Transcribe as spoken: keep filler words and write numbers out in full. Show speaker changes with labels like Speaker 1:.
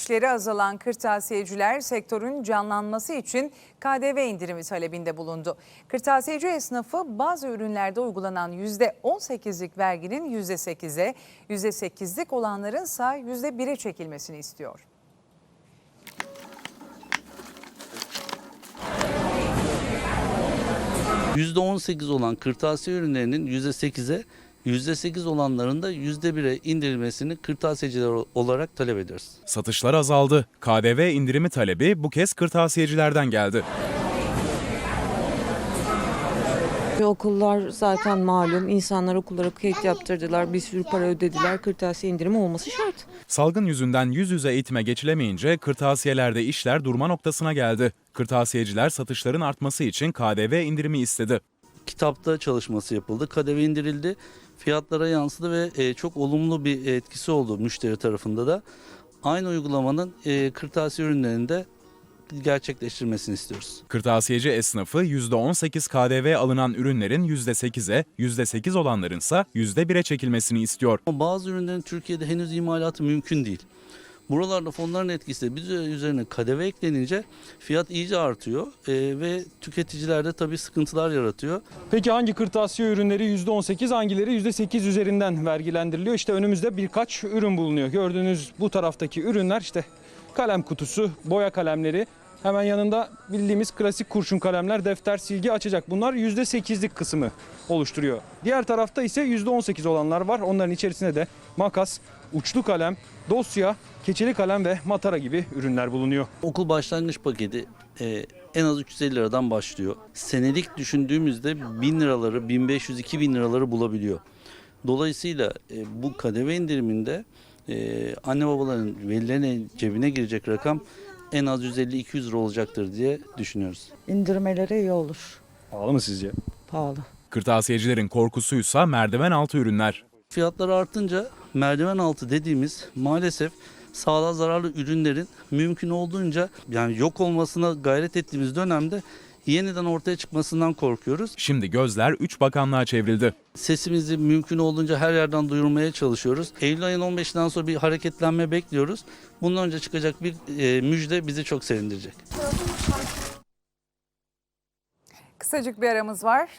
Speaker 1: İşleri azalan kırtasiyeciler sektörün canlanması için K D V indirimi talebinde bulundu. Kırtasiyeci esnafı bazı ürünlerde uygulanan yüzde on sekizlik verginin yüzde sekize, yüzde sekizlik olanlarınsa yüzde bire çekilmesini istiyor.
Speaker 2: yüzde on sekiz olan kırtasiye ürünlerinin yüzde sekize, yüzde sekiz olanların da yüzde bire indirilmesini kırtasiyeciler olarak talep ediyoruz.
Speaker 3: Satışlar azaldı. K D V indirimi talebi bu kez kırtasiyecilerden geldi.
Speaker 4: Okullar zaten malum, insanlar okullara kayıt yaptırdılar, bir sürü para ödediler, kırtasiye indirimi olması şart.
Speaker 3: Salgın yüzünden yüz yüze eğitime geçilemeyince kırtasiyelerde işler durma noktasına geldi. Kırtasiyeciler satışların artması için K D V indirimi istedi.
Speaker 2: Kitapta çalışması yapıldı, K D V indirildi, fiyatlara yansıdı ve çok olumlu bir etkisi oldu müşteri tarafında da. Aynı uygulamanın kırtasiye ürünlerinde gerçekleştirmesini istiyoruz.
Speaker 3: Kırtasiyeci esnafı yüzde on sekiz K D V alınan ürünlerin yüzde sekize, yüzde sekiz olanlarınsa yüzde bire çekilmesini istiyor.
Speaker 2: Ama bazı ürünlerin Türkiye'de henüz imalatı mümkün değil. Buralarda fonların etkisi bir üzerine K D V eklenince fiyat iyice artıyor e, ve tüketicilerde tabii sıkıntılar yaratıyor.
Speaker 5: Peki hangi kırtasiye ürünleri yüzde on sekiz, hangileri yüzde sekiz üzerinden vergilendiriliyor? İşte önümüzde birkaç ürün bulunuyor. Gördüğünüz bu taraftaki ürünler işte kalem kutusu, boya kalemleri. Hemen yanında bildiğimiz klasik kurşun kalemler, defter, silgi, açacak. Bunlar yüzde sekizlik kısmı oluşturuyor. Diğer tarafta ise yüzde on sekiz olanlar var. Onların içerisinde de makas, uçlu kalem, dosya, keçeli kalem ve matara gibi ürünler bulunuyor.
Speaker 2: Okul başlangıç paketi e, en az üç yüz elli liradan başlıyor. Senelik düşündüğümüzde bin liraları, bin beş yüz iki bin liraları bulabiliyor. Dolayısıyla e, bu K D V indiriminde e, anne babaların, velilerin cebine girecek rakam en az yüz elli iki yüz lira olacaktır diye düşünüyoruz.
Speaker 4: İndirmeleri iyi olur.
Speaker 5: Pahalı mı sizce?
Speaker 4: Pahalı.
Speaker 3: Kırtasiyecilerin korkusuysa merdiven altı ürünler.
Speaker 2: Fiyatlar artınca merdiven altı dediğimiz maalesef sağlığa zararlı ürünlerin mümkün olduğunca yani yok olmasına gayret ettiğimiz dönemde yeniden ortaya çıkmasından korkuyoruz.
Speaker 3: Şimdi gözler üç bakanlığa çevrildi.
Speaker 2: Sesimizi mümkün olduğunca her yerden duyurmaya çalışıyoruz. Eylül ayının on beşinden sonra bir hareketlenme bekliyoruz. Bundan önce çıkacak bir e, müjde bizi çok sevindirecek.
Speaker 1: Kısacık bir aramız var.